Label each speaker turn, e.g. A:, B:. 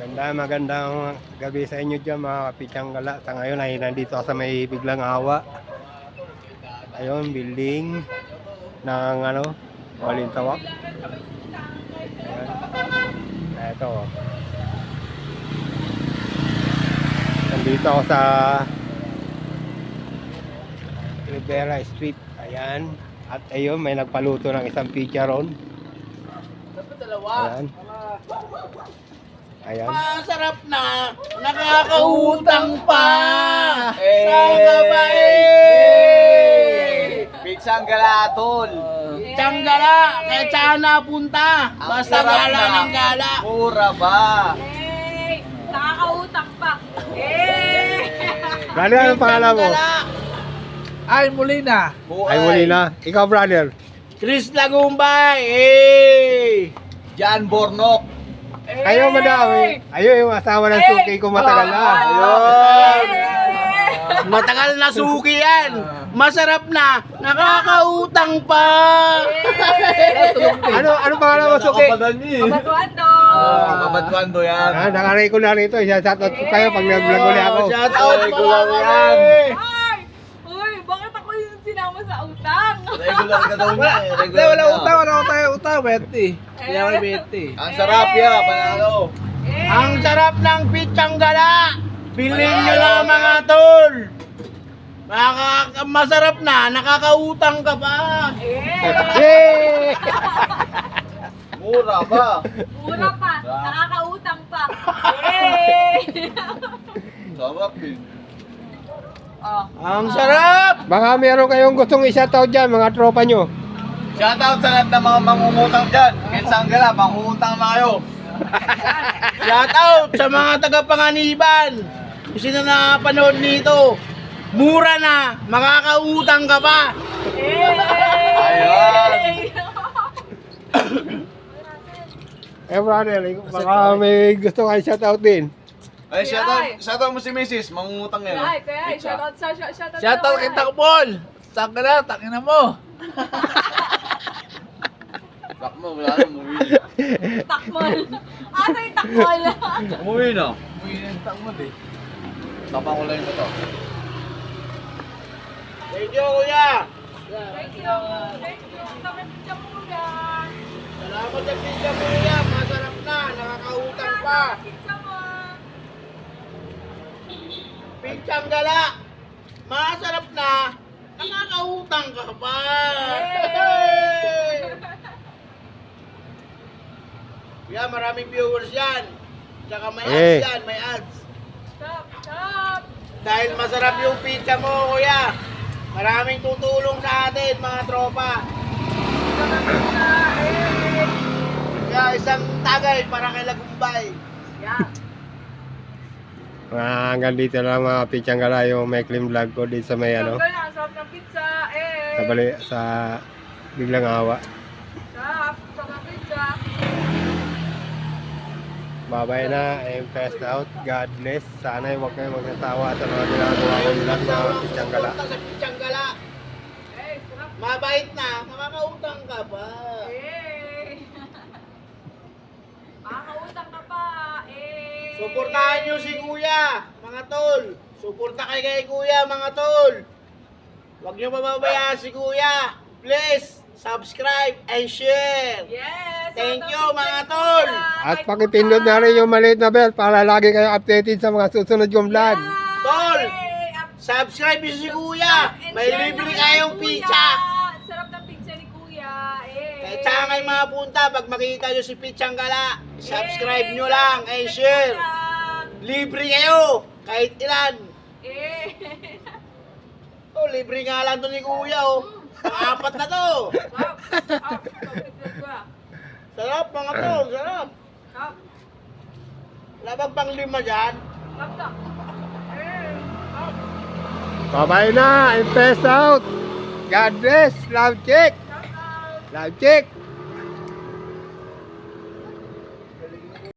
A: Magandang gabi sa inyo dyan mga kapitsang gala. Sa ngayon ay nandito ako sa may biglang awa. Ayun, building ng Balintawak. Ayan. Ito. Nandito ako sa Rivera Street. Ayan. At ayun, may nagpaluto ng isang pizza ron. Ayan. Ayan.
B: Masarap na, nakakautang pa.
C: Saka
B: ba eh?
C: Pizzang galatol.
B: Tsanggala, kaya saan napunta? Basta gala ng gala.
C: Mura ba?
D: Nakakautang pa.
A: Brother, anong pangalan mo?
B: Ay, Molina.
A: Ay, muli na. Ikaw, brother.
B: Chris Lagumbay. Eh.
C: Jan Bornok.
A: Ayaw, madami. Ayaw, yung asawa ng suki ko matagal na.
B: Ayun. Matagal na suki yan. Masarap na, nakakautang pa.
A: Ano pangalan mo, suki?
D: Baguando.
C: Kabadwando yan.
A: Nakaray ko na rito. Shoutout ko kayo pag nag-vlog ulit ako.
B: Shout out
C: Ay,
B: pala
C: kulang yan.
D: Ay! Uy, bakit ako yung sinama sa utang?
C: Regular ka daw niya eh.
B: Hindi,
C: Regular
B: wala
C: ka.
B: utang, wala tayo utang, Betty. Hindi ako Betty.
C: Ang sarap yan, panalo.
B: Ang sarap ng pitsang gala. Bilhin nyo lang mga tol. Masarap na, nakakautang ka pa.
A: Yay!
C: Mura ba?
D: Mura pa. Nakakautang pa.
C: Sarap din.
D: Oh.
B: Ang sarap.
A: Baka meron kayong gustong i-shoutout dyan, mga tropa nyo.
C: Shoutout sa lahat ng mga mangungutang dyan. Pizzang gala, mangungutang na kayo.
B: Shout out sa mga taga-Panganiban. Kung sino na napanood nito, mura na, makakautang ka pa.
C: Ayun.
A: Brother, baka may gusto kayo shoutout din.
C: Ay, shoutout mo si Mrs. Mangungutang yan.
D: Ay, kaya, shoutout sa shoutout.
B: Shout out kay Takbol. Saan ka na, takin na mo.
C: Bak mo, wala na, umuwi.
D: Takmol. Asa yung takmol?
C: Umuwi na. Umuwi na yung takmod eh. Tapang ko lang yung ito.
B: Thank you, kuya.
D: Thank you. Thank you. Sakit siya muna.
B: Salamat sa pizza, kuya. Masarap na, nakakautang pa.
D: Pizza mo.
B: Pizzang gala. Masarap na, nakakautang ka pa. Kuya, maraming viewers yan. Tsaka may ads yan, may ads.
D: Stop, stop.
B: Dahil masarap yung pizza mo, kuya. Maraming tutulong sa atin, mga tropa. Kaya isang tagay para kay Lagumbay.
D: Yeah.
A: Hanggang dito lang mga pitsang gala yung may clean vlog ko dito sa may
D: Ang sarap ng pizza.
A: sa biglang awa.
D: Sarap ng pizza.
A: Babay na, I'm passed out. God bless. Sana huwag kayo magsasawa sa mga ginagawa ko vlog mga pitsang gala.
B: Sa pitsang gala.
D: Sarap.
B: Mabait na, nakakautang ka pa.
D: Makakautang ka pa.
B: Suportahan nyo si kuya, mga tol. Suporta kay kuya, mga tol. Huwag nyo mababayaan si kuya. Please, subscribe and share.
D: Yes.
B: Thank you, mga tol.
A: At pakipindot na rin yung maliit na bell para lagi kayong updated sa mga susunod kong vlog.
B: Tol, subscribe nyo si kuya. May libre kayong pizza.
D: Sarap ng pizza ni kuya.
B: Kahit saan kayo mapunta, pag makita nyo si Pitsang Gala, subscribe nyo lang and share. Libre kayo, kahit ilan. Oh, libre nga lang to ni kuya, oh. Pang-apat na to. Sarap, mga to, sarap. Labag pang lima dyan.
A: Babay na, I'm passed out. God bless. Love check. Love check.